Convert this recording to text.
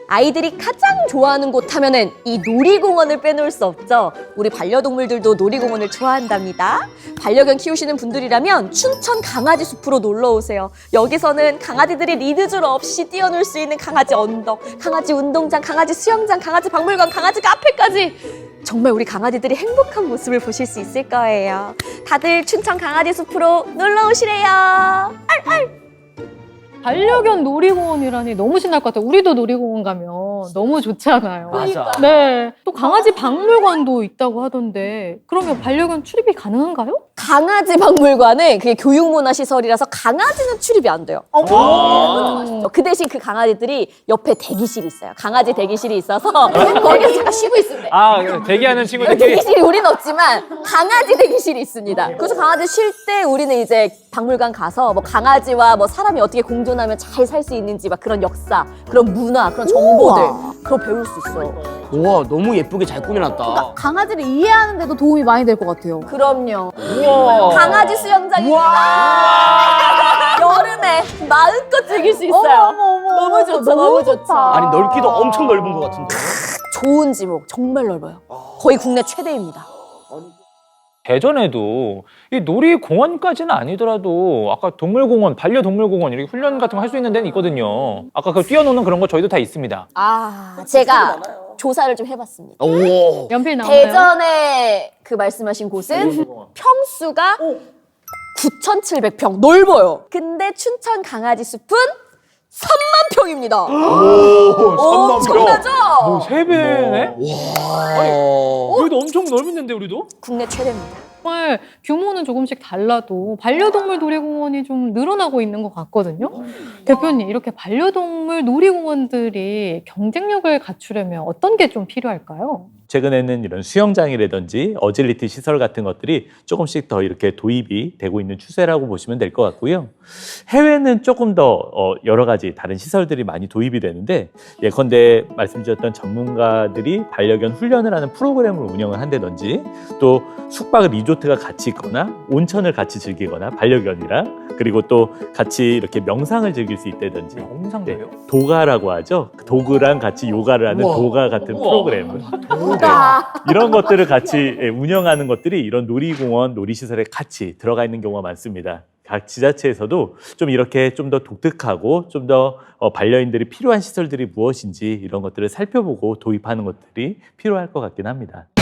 아이들이 가장 좋아하는 곳 하면은 이 놀이공원을 빼놓을 수 없죠. 우리 반려동물들도 놀이공원을 좋아한답니다. 반려견 키우시는 분들이라면 춘천 강아지 숲으로 놀러 오세요. 여기서는 강아지들이 리드줄 없이 뛰어놀 수 있는 강아지 언덕, 강아지 운동장, 강아지 수영장, 강아지 박물관, 강아지 카페까지 정말 우리 강아지들이 행복한 모습을 보실 수 있을 거예요. 다들 춘천 강아지 숲으로 놀러 오시래요. 알알. 반려견 놀이공원이라니 너무 신날 것 같아요. 우리도 놀이공원 가면 너무 좋잖아요. 맞아. 네. 또 강아지 박물관도 있다고 하던데 그러면 반려견 출입이 가능한가요? 강아지 박물관은 그게 교육문화시설이라서 강아지는 출입이 안 돼요. 그 대신 그 강아지들이 옆에 대기실이 있어요. 강아지 대기실이 있어서 거기서 잠깐 쉬고 있으면 돼. 아, 대기하는 친구들끼리. 대기실이 우리는 없지만 강아지 대기실이 있습니다. 그래서 강아지 쉴 때 우리는 이제 박물관 가서 뭐 강아지와 뭐 사람이 어떻게 공존하면 잘 살 수 있는지 막 그런 역사, 그런 문화, 그런 정보들 그걸 배울 수 있어요. 우와, 너무 예쁘게 잘 꾸며놨다. 강아지를 이해하는 데도 도움이 많이 될 것 같아요. 그럼요. 우와. 강아지 수영장입니다. 여름에 마음껏 즐길 수 있어요. 너무 좋죠, 너무 좋죠. 아니, 넓기도 엄청 넓은 것 같은데. 좋은 지목 정말 넓어요. 거의 국내 최대입니다. 대전에도 이 놀이공원까지는 아니더라도 아까 동물공원, 반려동물공원 이렇게 훈련 같은 거 할 수 있는 데는 있거든요. 아까 그 뛰어노는 그런 거 저희도 다 있습니다. 제가 조사를 좀 해봤습니다. 오. 연필 나오나요? 대전에 그 말씀하신 곳은 평수가 9,700평 넓어요. 근데 춘천 강아지 숲은 3만 평입니다. 오, 3만 엄청나죠? 뭐 3배네? 와. 여기도 엄청 넓은데 우리도? 국내 최대입니다. 정말 규모는 조금씩 달라도 반려동물 놀이공원이 좀 늘어나고 있는 것 같거든요. 대표님, 이렇게 반려동물 놀이공원들이 경쟁력을 갖추려면 어떤 게 좀 필요할까요? 최근에는 이런 수영장이라든지 어질리티 시설 같은 것들이 조금씩 더 이렇게 도입이 되고 있는 추세라고 보시면 될 것 같고요. 해외는 조금 더 여러 가지 다른 시설들이 많이 도입이 되는데 예컨대 말씀드렸던 전문가들이 반려견 훈련을 하는 프로그램을 운영을 한다든지 또 숙박 리조트가 같이 있거나 온천을 같이 즐기거나 반려견이랑 그리고 또 같이 이렇게 명상을 즐길 수 있다든지 명상도요? 도가라고 하죠. 도그랑 같이 요가를 하는 우와. 도가 같은 우와. 프로그램 이런 것들을 같이 운영하는 것들이 이런 놀이공원, 놀이시설에 같이 들어가 있는 경우가 많습니다. 각 지자체에서도 좀 이렇게 좀 더 독특하고 좀 더 반려인들이 필요한 시설들이 무엇인지 이런 것들을 살펴보고 도입하는 것들이 필요할 것 같긴 합니다.